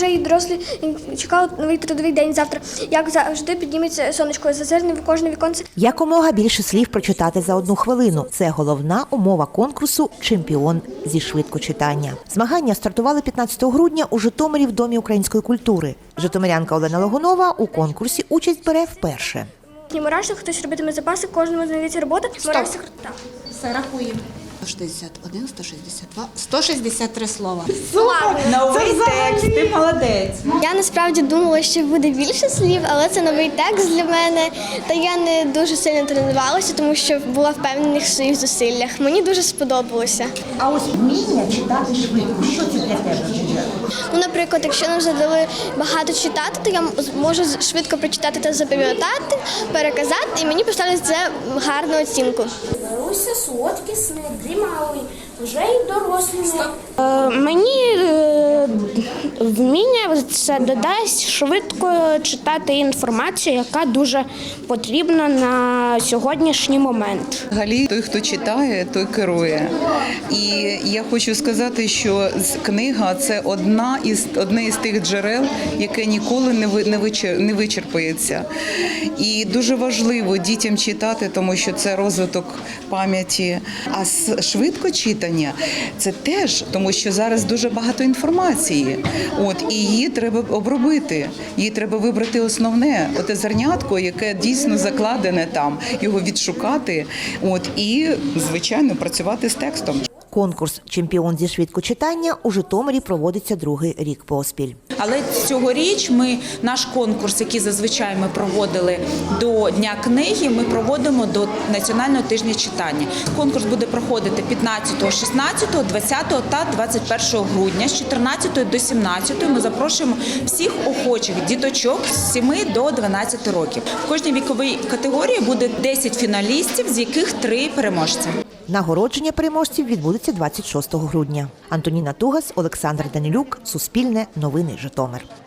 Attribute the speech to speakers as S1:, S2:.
S1: Вже і дорослі чекають новий трудовий день завтра. Як завжди підніметься сонечко, зазирне в кожне віконце.
S2: Якомога більше слів прочитати за 1 хвилину. Це головна умова конкурсу «Чемпіон зі швидкочитання». Змагання стартували 15 грудня у Житомирі в Домі української культури. Житомирянка Олена Логунова у конкурсі участь бере вперше.
S1: Мурашник, хтось робитиме запаси, кожному знайдеться робота. Мурашник, так.
S3: Все, рахуємо. 161, 162, 163 слова.
S4: Новий текст, ти молодець.
S1: Я насправді думала, що буде більше слів, але це новий текст для мене. Та я не дуже сильно тренувалася, тому що була впевнена в своїх зусиллях. Мені дуже сподобалося.
S2: А ось вміння читати швидко. Що це для тебе?
S1: Ну, наприклад, якщо нам задали багато читати, то я можу швидко прочитати та запам'ятати, переказати, і мені поставлять за гарну оцінку.
S5: Маруся, солодкі сни, дрімали, вже й дорослі.
S6: Мені вміння це додасть швидко читати інформацію, яка дуже потрібна на сьогоднішній момент.
S7: Взагалі, той, хто читає, той керує. І я хочу сказати, що книга – це одне із тих джерел, яке ніколи не вичерпається. І дуже важливо дітям читати, тому що це розвиток пам'яті. А швидко читання – це теж, тому що зараз дуже багато інформації. І її треба обробити, її треба вибрати основне, оте зернятко, яке дійсно закладене там, його відшукати, і, звичайно, працювати з текстом.
S2: Конкурс «Чемпіон зі швидкочитання» у Житомирі проводиться 2-й рік поспіль.
S4: Але цьогоріч наш конкурс, який зазвичай ми проводили до Дня книги, ми проводимо до Національного тижня читання. Конкурс буде проходити 15, 16, 20 та 21 грудня з 14 до 17. Ми запрошуємо всіх охочих діточок з 7 до 12 років. В кожній віковій категорії буде 10 фіналістів, з яких 3 переможці.
S2: Нагородження переможців відбудеться 26 грудня. Антоніна Тугас, Олександр Данилюк, Суспільне, Новини Житомир.